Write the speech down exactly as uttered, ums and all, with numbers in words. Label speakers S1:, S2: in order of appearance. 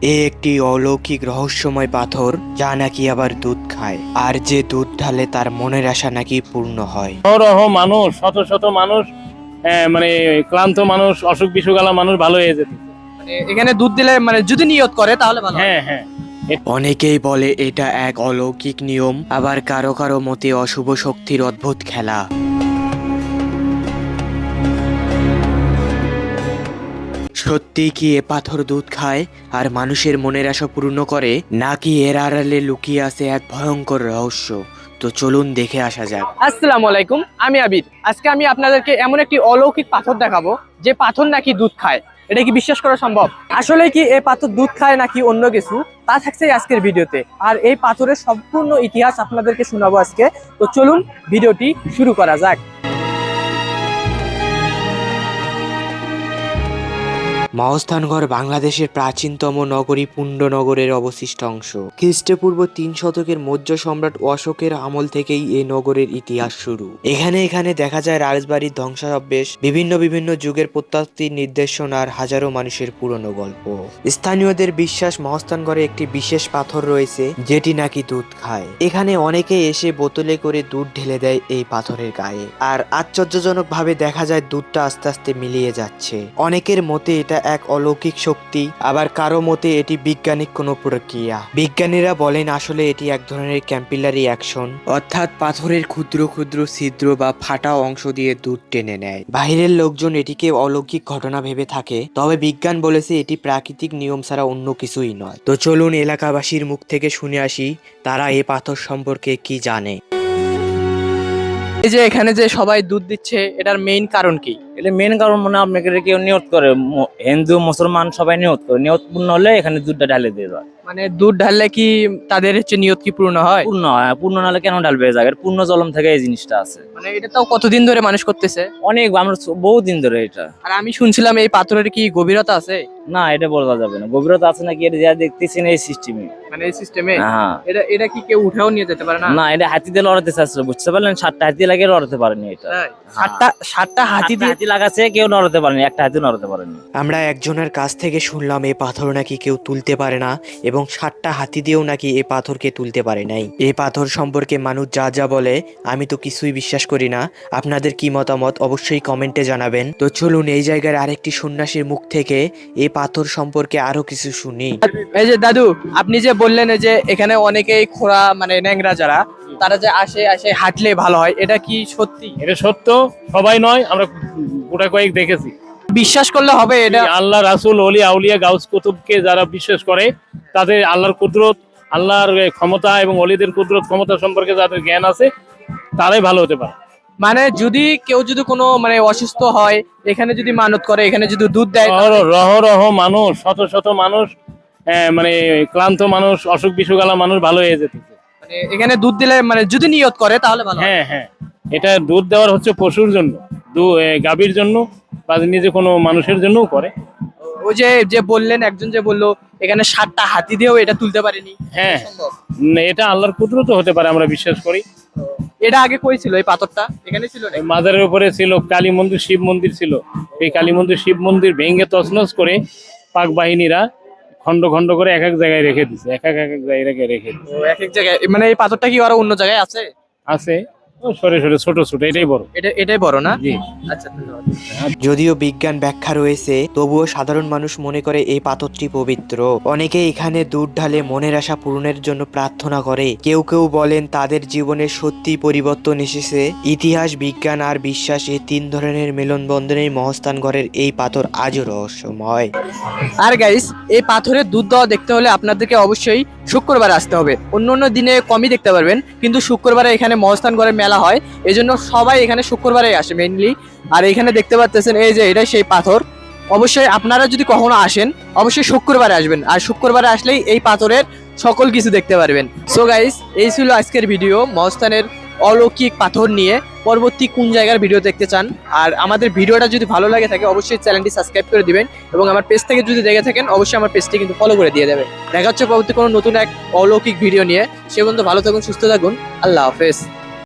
S1: এ একটি অলৌকিক রহস্যময় পাথর, যা নাকি আবার দুধ খায়, আর যে দুধ ঢালে তার মনের আশা নাকি পূর্ণ হয়।
S2: রহ মানুষ, শত শত মানুষ, মানে ক্লান্ত মানুষ, অসুখ বিসুখালা মানুষ ভালো হয়ে যেত।
S3: মানে এখানে দুধ দিলে মানে যদি নিয়ত করে তাহলে ভালো।
S2: হ্যাঁ হ্যাঁ,
S1: অনেকেই বলে এটা এক অলৌকিক নিয়ম, আবার কারো কারো মতে অশুভ শক্তির অদ্ভুত খেলা। সত্যি কি এ পাথর দুধ খায় আর মানুষের মনের আশা পূর্ণ করে, নাকি এর আড়ালে লুকিয়ে আছে এক ভয়ঙ্কর রহস্য? তো চলুন দেখে আসা যাক।
S3: আসসালামু আলাইকুম, আমি আবির। আজকে আমি আপনাদেরকে এমন একটি অলৌকিক পাথর দেখাবো যে পাথর নাকি দুধ খায়। এটা কি বিশ্বাস করা সম্ভব? আসলে কি এই পাথর দুধ খায় নাকি অন্য কিছু, তা থাকছে আজকের ভিডিওতে। আর এই পাথরের সম্পূর্ণ ইতিহাস আপনাদেরকে শোনাবো আজকে। তো চলুন ভিডিওটি শুরু করা যাক।
S1: মহাস্থানগড় বাংলাদেশের প্রাচীনতম নগরী পুণ্ডনগরের অবশিষ্ট অংশ। খ্রিস্টপূর্ব তিন শতকের মৌর্য সম্রাট অশোকের আমল থেকেই এই নগরের ইতিহাস শুরু। এখানে এখানে দেখা যায় রাজবাড়ির ধ্বংসাবশেষ, বিভিন্ন বিভিন্ন যুগের প্রত্যাত্তির নির্দেশনা আর হাজারো মানুষের পুরনো গল্প। স্থানীয়দের বিশ্বাস মহাস্থানগড়ে একটি বিশেষ পাথর রয়েছে যেটি নাকি দুধ খায়। এখানে অনেকে এসে বোতলে করে দুধ ঢেলে দেয় এই পাথরের গায়ে, আর আশ্চর্যজনক ভাবে দেখা যায় দুধটা আস্তে আস্তে মিলিয়ে যাচ্ছে। অনেকের মতে এটা এক অলৌকিক শক্তি, আবার কারো মতে এটি বৈজ্ঞানিক কোনো প্রক্রিয়া। বিজ্ঞানীরা বলেন আসলে এটি এক ধরনের ক্যাপিলারি অ্যাকশন, অর্থাৎ পাথরের ক্ষুদ্র ক্ষুদ্র ছিদ্র বা ফাটা অংশ দিয়ে দুধ টেনে নেয়। বাহিরের লোকজন এটিকে অলৌকিক ঘটনা ভেবে থাকে, তবে বিজ্ঞান বলেছে এটি প্রাকৃতিক নিয়ম ছাড়া অন্য কিছুই নয়। তো চলুন এলাকাবাসীর মুখ থেকে শুনে আসি তারা এই পাথর সম্পর্কে কি জানে।
S3: এই যে এখানে যে সবাই দুধ দিচ্ছে, এটার মেইন কারণ কি?
S4: এটা মেন কারণ মনে হয় আপনাকে কেউ নিয়ত করে, হিন্দু মুসলমান সবাই নিয়ত করে, নিয়ত পূর্ণ হলে এখানে দুধটা ঢালে দিয়ে দেয়।
S3: মানে দুধ ঢাললে কি তাদের হচ্ছে নিয়ত কি পূর্ণ হয়?
S4: পূর্ণ হয়, পূর্ণ না হলে কেন ঢালবে? জায়গার পূর্ণ জলম থেকে এই জিনিসটা আছে।
S3: মানে এটা তাও কতদিন ধরে মানুষ করতেছে?
S4: অনেক, আমরা বহু দিন ধরে এটা।
S3: আর আমি শুনছিলাম এই পাথরের কি গভীরতা আছে?
S4: না, এটা বলা যাবে না গভীরতা আছে নাকি, এটা যা দেখতেছি না এই সিস্টেমে।
S3: মানে এই সিস্টেমে
S4: হ্যাঁ,
S3: এটা এটা কি কেউ উঠেও নিয়ে যেতে পারে না?
S4: না, এটা হাতি দিয়ে লড়াতে চাচ্ছিল, বুঝতে পারলেন? সাতটা হাতি লাগে, লড়াতে পারেনি এটা।
S3: সাতটা সাতটা হাতি দিয়ে
S4: হাতি লাগাচ্ছে, কেউ নড়াতে পারেনি, একটা হাতি নড়াতে পারেনি।
S1: আমরা একজনের কাছ থেকে শুনলাম এই পাথর নাকি কেউ তুলতে পারে না, এবং ষাটটা হাতি দিয়েও নাকি এই পাথরকে তুলতে পারে নাই। এই পাথর সম্পর্কে মানুষ যা যা বলে আমি তো কিছুই বিশ্বাস করি না। আপনাদের কি মতামত অবশ্যই কমেন্টে জানাবেন। তো চলুন এই জায়গার আরেকটি সন্ন্যাসীর মুখ থেকে এই পাথর সম্পর্কে আরো কিছু শুনি।
S3: এই যে দাদু, আপনি যে বললেন যে এখানে অনেকেই খোড়া মানে ন্যাংরা যারা, তারা যে আসে আসে হাঁটলে ভালো হয়, এটা কি সত্যি?
S2: এটা সত্য, সবাই নয়, আমরা গোটা কয়েক দেখেছি।
S3: বিশ্বাস করলে হবে এটা?
S2: আল্লাহ, রাসূল, ওলি, আউলিয়া, গাউস কুতুবকে যারা বিশ্বাস করে, তাদের আল্লাহর কুদরত, আল্লাহর ক্ষমতা এবং ওলিদের কুদরত ক্ষমতা সম্পর্কে যাদের জ্ঞান আছে, তারাই ভালো হতে পারে।
S3: মানে যদি কেউ যদি কোনো মানে অসুস্থ হয়, এখানে যদি মানত করে, এখানে যদি দুধ দেয়,
S2: রহ রহ মানুষ, শত শত মানুষ, মানে ক্লান্ত মানুষ, অসুখ বিসুখালা মানুষ ভালো হয়ে যেত।
S3: মানে এখানে দুধ দিলে মানে যদি নিয়ত করে তাহলে ভালো।
S2: হ্যাঁ হ্যাঁ, এটা দুধ দেওয়ার হচ্ছে পশুর জন্য, গাভীর জন্য, বা নিজে কোনো মানুষের জন্যও করে।
S3: ওই যে যে বললেন, একজন যে বললো এখানে সাতটা হাতি দিয়েও এটা তুলতে পারেনি।
S2: হ্যাঁ, এটা আল্লাহর কুদরত হতে পারে, আমরা বিশ্বাস করি।
S3: এটা আগে কই ছিল এই পাথরটা? এখানে ছিল না?
S2: মাজারের উপরে ছিল, কালী মন্দির, শিব মন্দির ছিল। এই কালী মন্দির, শিব মন্দির ভেঙে তছনছ করে পাক বাহিনীরা খন্ড খন্ড করে এক এক জায়গায় রেখে দিছে, এক এক এক এক জায়গায় রেখে দিছে।
S3: এক এক জায়গায় মানে এই পাথরটা কি আরো অন্য জায়গায় আছে?
S2: আছে, সরে সরে ছোট ছোট, এটাই বড়।
S3: এটা এটাই বড় না?
S2: জি।
S3: আচ্ছা, ধন্যবাদ।
S1: যদিও বিজ্ঞান ব্যাখ্যা রয়েছে, তবুও সাধারণ মানুষ মনে করে এই পাথরটি পবিত্র। অনেকে এখানে দুধ ঢালে মনের আশা পূরণের জন্য প্রার্থনা করে। কেউ কেউ বলেন তাদের জীবনে সত্যি পরিবর্তন এসেছে। ইতিহাস, বিজ্ঞান আর বিশ্বাস, এই তিন ধরনের মেলনবন্ধনেই মহাস্থানগড়ের এই পাথর আজও রহস্যময়।
S3: আর গাইস, এই পাথরের দুধ দেওয়া দেখতে হলে আপনাদেরকে অবশ্যই শুক্রবারে আসতে হবে। অন্য অন্য দিনে কমই দেখতে পারবেন, কিন্তু শুক্রবারে এখানে মহাস্থানগড়ের মেলা হয়, এজন্য সবাই এখানে শুক্রবারে আসে মেইনলি। আর এখানে দেখতে পাচ্ছেন এই যে এটাই সেই পাথর। অবশ্যই আপনারা যদি কখনো আসেন, অবশ্যই শুক্রবারে আসবেন, আর শুক্রবারে আসলেই এই পাথরের সকল কিছু দেখতে পারবেন। সো গাইস, এই ছিল আজকের ভিডিও মহাস্থানের অলৌকিক পাথর নিয়ে। পরবর্তী কোন জায়গার ভিডিও দেখতে চান, আর আমাদের ভিডিওটা যদি ভালো লাগে থাকে অবশ্যই চ্যানেলটি সাবস্ক্রাইব করে দিবেন, এবং আমার পেজ থেকে যদি দেখে থাকেন অবশ্যই আমার পেজটি কিন্তু ফলো করে দিয়ে দেবেন। দেখা হচ্ছে পরবর্তী কোনো নতুন এক অলৌকিক ভিডিও নিয়ে। সে পর্যন্ত ভালো থাকুন, সুস্থ থাকুন, আল্লাহ হাফেজ।